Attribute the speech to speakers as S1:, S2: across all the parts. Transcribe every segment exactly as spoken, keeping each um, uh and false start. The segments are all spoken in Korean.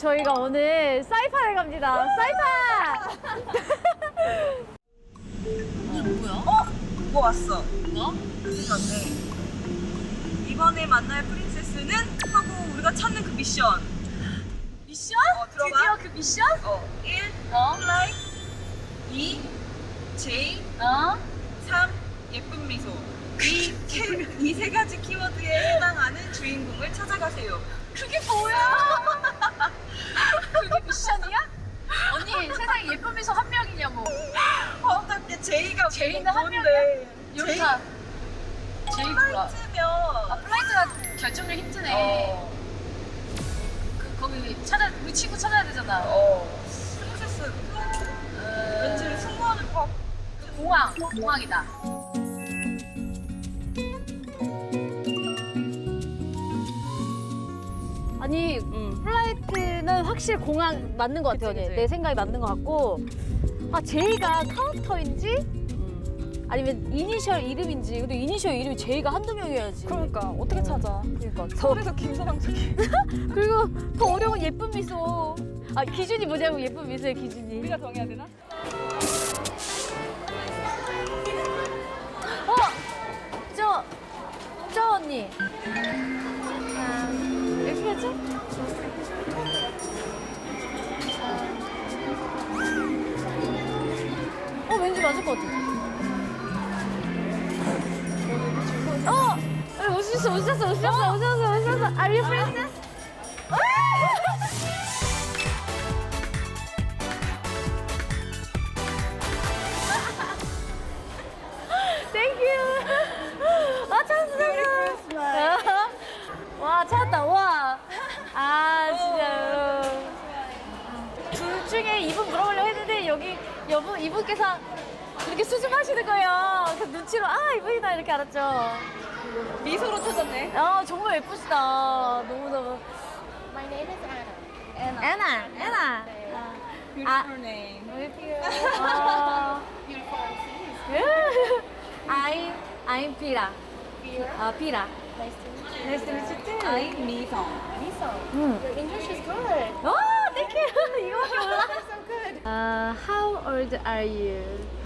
S1: 저희가 오늘 사이판에 갑니다. 사이판!
S2: 이거 뭐야?
S3: 어? 뭐 왔어?
S2: 뭐?
S3: 그건데 이번에 만날 프린세스는 하고 우리가 찾는 그 미션.
S2: 미션?
S3: 어, 들어봐.
S2: 드디어 그 미션?
S3: 어, 일.
S2: 어?
S3: 플라이. 이. 제이.
S2: 어?
S3: 삼. 예쁜 미소. 이 이 세 가지 키워드에 해당하는 주인공을 찾아가세요.
S2: 그게 뭐야? 그게 미션이야? 언니 세상에 예쁜 미소 한 명이냐고.
S3: 어떻게 제이가
S2: 제이는 한
S3: 뭔데?
S2: 여기가 제이 뭐야?
S3: 플라이트면
S2: 아 플라이트가 결정력 힘드네.
S3: 어.
S2: 그 거기 찾아 우리 친구 찾아야 되잖아.
S3: 어. 프린세스 플라이트.
S2: 어,
S3: 왠지 승무원을 꼭.
S2: 공항 공항이다.
S1: 아니, 플라이트는 확실히 공항 맞는 것 같아요.
S3: 그치, 그치.
S1: 내 생각이 맞는 것 같고. 아, 제이가 카운터인지? 아니면 이니셜 이름인지. 근데 이니셜 이름이 제이가 한두 명이어야지.
S3: 그러니까 어떻게 찾아?
S1: 그러니까. 더,
S3: 서울에서 김서방 저기.
S1: 그리고 더 어려운 예쁜 미소. 아, 기준이 뭐냐고, 예쁜 미소의 기준이.
S3: 우리가 정해야 되나?
S1: 어! 저, 저 언니. 아, 이렇게 하지? 어, 왠지 맞을 것 같아. 어! 오셨어, 오셨어, 오셨어, 오셨어, 오셨어. Are you princess? Thank you. 아, 찾았어, 찾았어. 와, 찾았다, 와. 아, 진짜요. 둘 중에 이분 물어보려고 했는데, 여기 여분, 이분께서 이렇게 수줍하시는 거예요. 그 눈치로, 아, 이분이다, 이렇게 알았죠.
S3: 미소로 찾았네.
S1: 아, 정말 예쁘시다. 너무너무.
S4: My name is Anna.
S1: 애나, 애나.
S3: Beautiful name.
S1: 아,
S4: Beautiful overseas.
S1: I'm, I'm Pira.
S4: Vera.
S1: 아, Pira.
S4: Nice to meet you.
S1: Nice to meet you too.
S3: I'm 미성.
S4: Lisa.
S1: 응.
S4: Your English is good.
S1: 오, thank you. 이거밖에 몰라.
S4: That's so good.
S1: Uh, how old are you?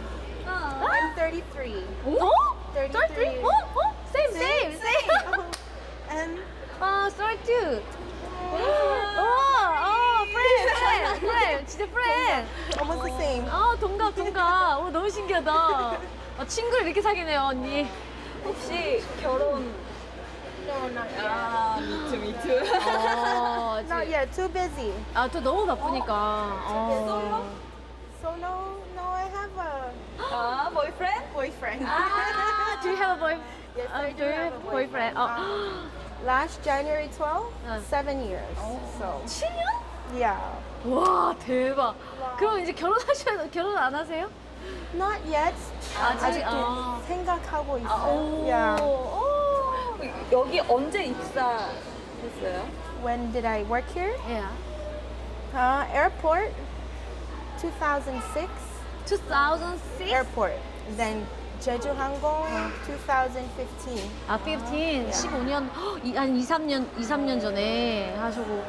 S4: I'm thirty-three.
S1: 어?
S4: thirty-three.
S1: 어? 어? Same, same, same.
S4: And
S1: 아, thirty-two. 오, 어, friend, friend, friend. 진짜 friend.
S4: almost the same.
S1: 아, 동갑, 동갑. 오, 너무 신기하다. 아, 친구를 이렇게 사귀네요, 언니.
S3: 혹시 결혼?
S4: No, not yet.
S3: 아, 미투 미투.
S1: 어,
S4: Not
S1: 지-
S4: yet. Too busy.
S1: 아, 또 너무 바쁘니까. 어.
S4: So no, no, I have a
S3: 아, boyfriend?
S4: boyfriend.
S1: 아, do you have a boy?
S4: Yes,
S1: 아,
S4: I
S1: do
S4: do
S1: you
S4: have
S1: have
S4: a
S1: a boyfriend?
S4: boyfriend.
S1: 어.
S4: Um, Last January twelfth,
S1: Uh.
S4: seven years. So
S1: 칠 년?
S4: yeah,
S1: 와, 대박. 그럼 이제 결혼하셔, 결혼 안 하세요?
S4: not yet.
S1: 아직,
S4: 아직도
S1: 아.
S4: 생각하고
S1: 아,
S4: 있어요.
S1: 오.
S4: Yeah.
S1: 오.
S3: 여기 언제 입사했어요?
S4: When did I work here?
S1: Yeah.
S4: Uh, airport, two thousand six.
S1: two thousand six?
S4: Airport. Then Jeju Hangong, two thousand fifteen.
S1: 아, fifteen. 십오 년, 헉, 이- 한 이, 삼 년, 이, 삼 년 전에 하시고.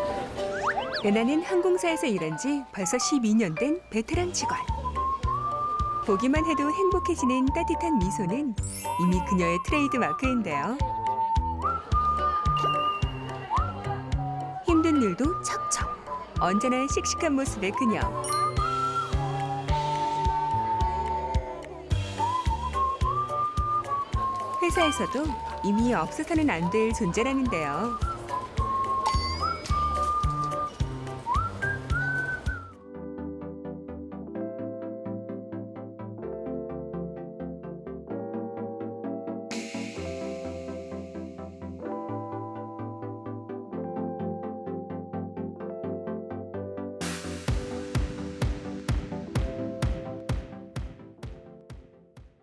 S5: 레나는 항공사에서 일한 지 벌써 십이 년 된 베테랑 직원. 보기만 해도 행복해지는 따뜻한 미소는 이미 그녀의 트레이드 마크인데요. 힘든 일도 척척. 언제나 씩씩한 모습의 그녀. 회사에서도 이미 없어서는 안 될 존재라는데요.